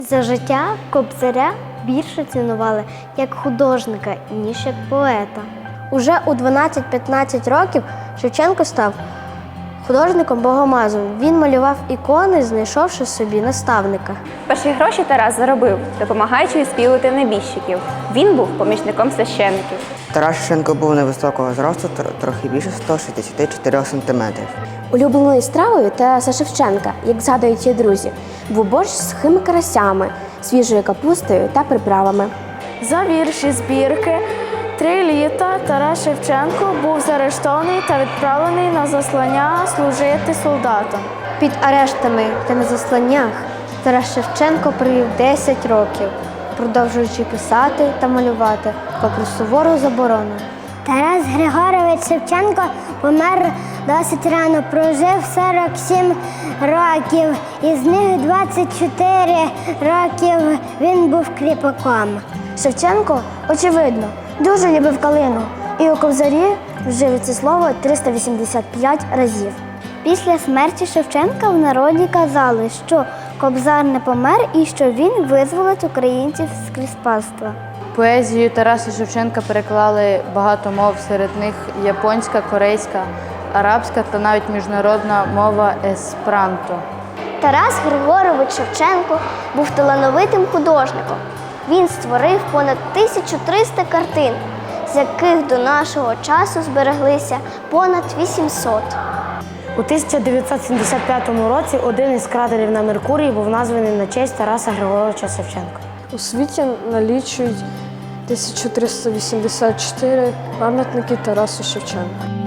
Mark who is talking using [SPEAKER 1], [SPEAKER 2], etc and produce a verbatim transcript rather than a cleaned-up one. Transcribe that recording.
[SPEAKER 1] За життя Кобзаря більше цінували як художника, ніж як поета. Уже у дванадцять-п'ятнадцять років Шевченко став художником-богомазом. Він малював ікони, знайшовши собі наставника.
[SPEAKER 2] Перші гроші Тарас заробив, допомагаючи відспівувати небіжчиків. Він був помічником священиків.
[SPEAKER 3] Тарас Шевченко був невисокого зросту, трохи більше ста шістдесяти чотирьох сантиметрів.
[SPEAKER 4] Улюбленою стравою Тараса Шевченка, як згадують її друзі, був борщ з сухими карасями, свіжою капустою та приправами.
[SPEAKER 5] За вірші збірки «Три літа» Тарас Шевченко був заарештований та відправлений на заслання служити солдатам.
[SPEAKER 1] Під арештами та на засланнях Тарас Шевченко провів десять років, продовжуючи писати та малювати, попри сувору заборону.
[SPEAKER 6] Тарас Григорович Шевченко помер досить рано, прожив сорок сім років, із них двадцять чотири років він був кріпаком.
[SPEAKER 1] Шевченко, очевидно, дуже любив калину, і у Кобзарі вжив це слово триста вісімдесят п'ять разів. Після смерті Шевченка в народі казали, що Кобзар не помер і що він визволить українців з кріпацтва.
[SPEAKER 7] Поезію Тараса Шевченка переклали багато мов, серед них японська, корейська, арабська та навіть міжнародна мова есперанто.
[SPEAKER 1] Тарас Григорович Шевченко був талановитим художником. Він створив понад тисячу триста картин, з яких до нашого часу збереглися понад вісімсот.
[SPEAKER 8] У тисяча дев'ятсот сімдесят п'ятому році один із кратерів на Меркурії був названий на честь Тараса Григоровича Шевченка.
[SPEAKER 5] У світі налічують тисячу триста вісімдесят чотири пам'ятники Тарасу Шевченку.